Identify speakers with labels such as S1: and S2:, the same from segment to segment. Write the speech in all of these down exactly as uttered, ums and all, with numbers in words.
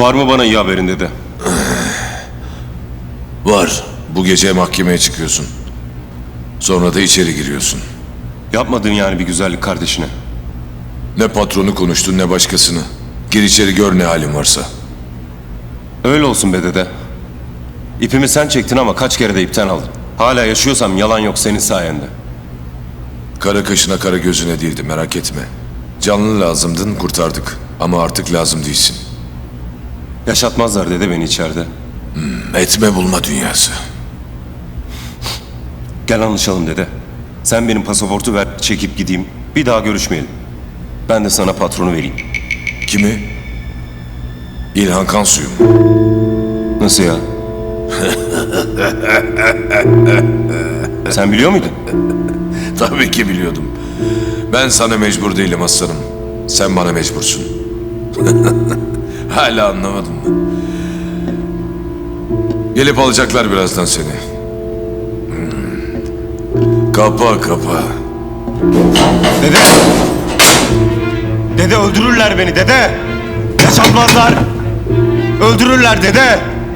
S1: Var mı bana iyi haberin dede?
S2: Var. Bu gece mahkemeye çıkıyorsun. Sonra da içeri giriyorsun.
S1: Yapmadın yani bir güzellik kardeşine.
S2: Ne patronu konuştun ne başkasını. Gir içeri gör ne halin varsa.
S1: Öyle olsun be dede. İpimi sen çektin ama kaç kere de ipten aldın. Hala yaşıyorsam yalan yok senin sayende.
S2: Kara kaşına kara gözüne değildi, merak etme. Canlı lazımdın, kurtardık. Ama artık lazım değilsin.
S1: Yaşatmazlar dede beni içeride.
S2: Etme bulma dünyası.
S1: Gel anlaşalım dede. Sen benim pasaportu ver, çekip gideyim. Bir daha görüşmeyelim. Ben de sana patronu vereyim.
S2: Kimi? İlhan Kansu'yu mu?
S1: Nasıl ya? Sen biliyor muydun?
S2: Tabii ki biliyordum. Ben sana mecbur değilim aslanım. Sen bana mecbursun. Hala anlamadın mı? Gelip alacaklar birazdan seni. Hmm. Kapa kapa.
S1: Dede! Dede öldürürler beni dede! Yaşatmazlar! Öldürürler dede!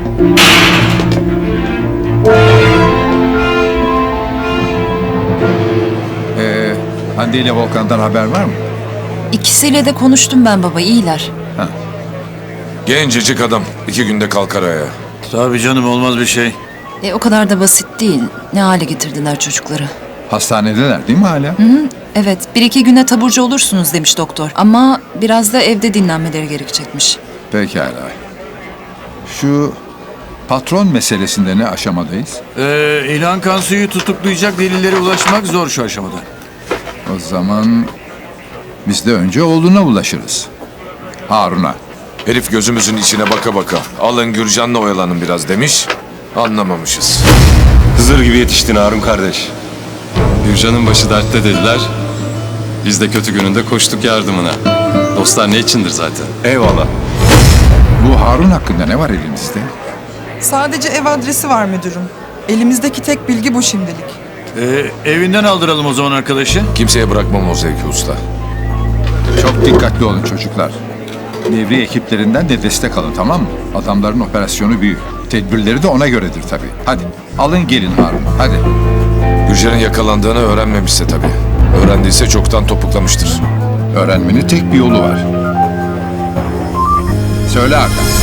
S3: Ee, Hande ile Volkan'dan haber var mı?
S4: İkisiyle de konuştum ben baba, iyiler.
S2: Gencecik adam. iki günde kalkar ayağa.
S5: Tabii canım, olmaz bir şey.
S4: E, o kadar da basit değil. Ne hale getirdiler çocukları.
S3: Hastanedeler değil mi hala?
S4: Evet, bir iki güne taburcu olursunuz demiş doktor. Ama biraz da evde dinlenmeleri gerekecekmiş.
S3: Pekala. Şu patron meselesinde ne aşamadayız?
S5: Ee, İlhan Kansu'yu tutuklayacak delillere ulaşmak zor şu aşamada.
S3: O zaman biz de önce oğluna ulaşırız. Harun'a.
S2: Herif gözümüzün içine baka baka. Alın Gürcan'la oyalanın biraz demiş. Anlamamışız.
S1: Hızır gibi yetiştin Harun kardeş.
S6: Gürcan'ın başı dertte dediler. Biz de kötü gününde koştuk yardımına. Dostlar ne içindir zaten.
S1: Eyvallah.
S3: Bu Harun hakkında ne var elimizde?
S7: Sadece ev adresi var müdürüm. Elimizdeki tek bilgi bu şimdilik.
S5: Ee, evinden aldıralım o zaman arkadaşı.
S2: Kimseye bırakmam o zevki usta.
S3: Çok dikkatli olun çocuklar. Devriye ekiplerinden de destek alın, tamam mı? Adamların operasyonu büyük. Tedbirleri de ona göredir tabii. Hadi alın gelin Harun, hadi.
S2: Gürcan'ın yakalandığını öğrenmemişse tabii. Öğrendiyse çoktan topuklamıştır.
S3: Öğrenmenin tek bir yolu var. Söyle Hakan.